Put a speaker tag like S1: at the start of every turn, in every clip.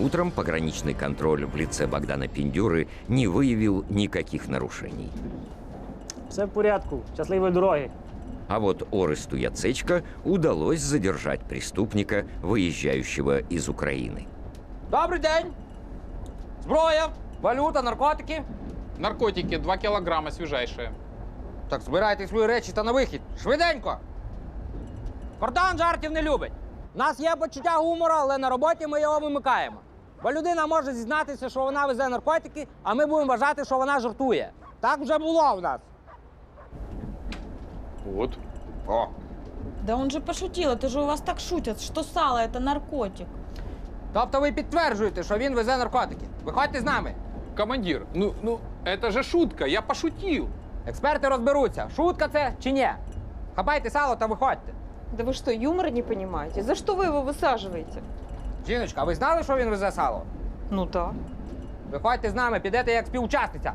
S1: Утром пограничный контроль в лице Богдана Піндюри не выявил никаких нарушений.
S2: Все в порядку. Щасливої дороги.
S1: А вот Оресту Яцечко удалось задержать преступника, выезжающего из Украины.
S3: Добрий день! Зброя, валюта, наркотики.
S4: Наркотики 2 килограмма свежайшие.
S3: Так збирайте свої речі та на вихід. Швиденько! Кордон жартів не любить. У нас є почуття гумору, але на роботі ми його вимикаємо. Бо людина може зізнатися, що вона везе наркотики, а ми будемо вважати, що вона жартує. Так вже було в нас.
S4: Вот.
S3: О.
S5: Да он же пошутил, это же у вас так шутят, что сало это наркотик.
S3: Тобто ви підтверджуєте, що він везе наркотики. Виходьте з нами.
S4: Командир, это же шутка, я пошутил.
S3: Експерти розберуться, шутка це чи ні. Хапайте сало та виходьте.
S6: Да вы что, юмора не понимаете? За что вы его высаживаете?
S3: Жіночка, а ви знали, що він везе сало?
S6: Ну да.
S3: Виходьте з нами, підете як співучасниця.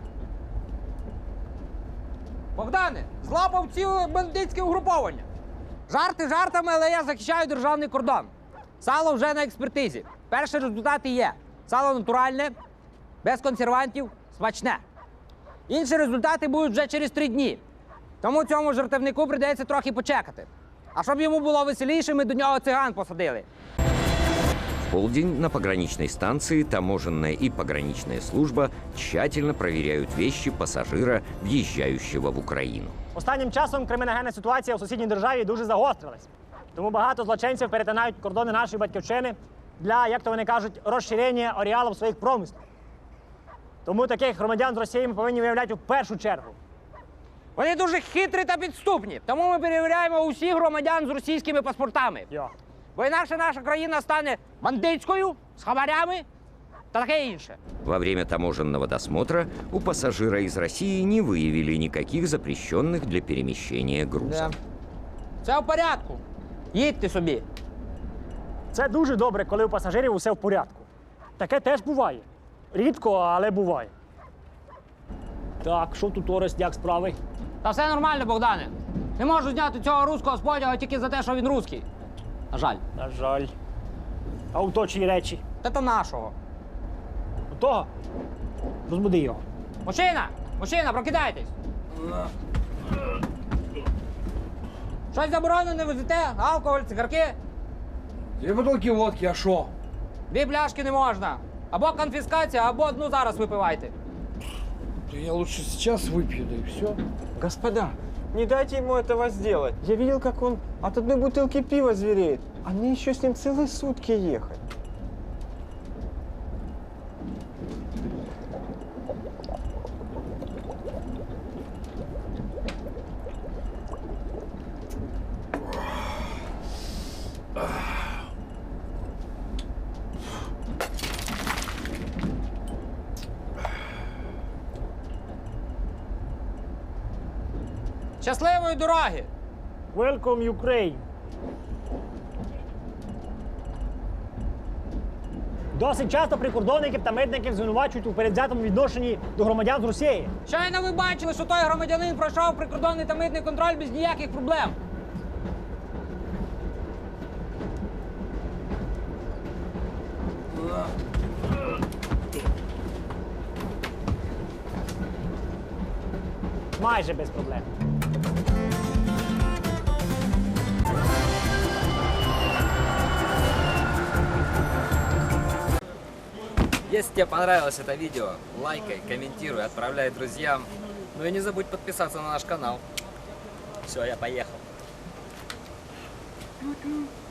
S3: Богдане, злапав ціле бандитське угруповання. Жарти жартами, але я захищаю державний кордон. Сало вже на експертизі. Перші результати є. Сало натуральне, без консервантів, смачне. Інші результати будуть вже через 3 дні. Тому цьому жартівнику прийдеться трохи почекати. А щоб йому було веселіше, ми до нього циган посадили.
S1: В полдень на пограничной станции таможенная и пограничная служба тщательно проверяют вещи пассажира, въезжающего в Украину.
S2: Останнім часом криміногенна ситуація у сусідній державі дуже загострилась. Тому багато злочинців перетинають кордони нашої батьківщини для, як то вони кажуть, розширення ареалів своїх промислів. Тому таких громадян з Росії ми повинні виявляти в першу чергу.
S3: Вони дуже хитрі та підступні. Тому ми перевіряємо усіх громадян з російськими паспортами.
S2: Йо.
S3: Бо інакше наша країна стане бандитською, з хабарями та таке інше.
S1: Во время таможенного досмотра у пассажира из России не выявили никаких запрещенных для перемещения грузов.
S3: Все в порядку. Їдьте собі.
S2: Це дуже добре, коли у пасажирів усе в порядку. Таке теж буває. Рідко, але буває. Так, що тут, Орест, як справи?
S3: Та все нормально, Богдане. Не можу зняти цього руського з потяга тільки за те, що він русський. На жаль.
S2: На жаль. А у то чиї речі?
S3: Та нашого.
S2: У того? Розбуди його.
S3: Мужчина! Мужчина, прокидайтесь! Щось заборонене везете? Алкоголь, цигарки?
S7: 2 бутылки водки, а шо?
S3: 2 пляшки не можна. Або конфіскація, або одну зараз випивайте.
S7: Да я лучше сейчас выпью, да и все.
S8: Господа, не дайте ему этого сделать. Я видел, как он от одной бутылки пива звереет. А мне еще с ним целые сутки ехать.
S3: Щасливої дороги!
S2: Welcome, Ukraine! Досить часто прикордонників та митників звинувачують у передвзятому відношенні до громадян з Росії.
S3: Щойно ви бачили, що той громадянин пройшов прикордонний та митний контроль без ніяких проблем.
S2: Майже без проблем.
S9: Если тебе понравилось это видео, лайкай, комментируй, отправляй друзьям. Ну и не забудь подписаться на наш канал. Все, я поехал.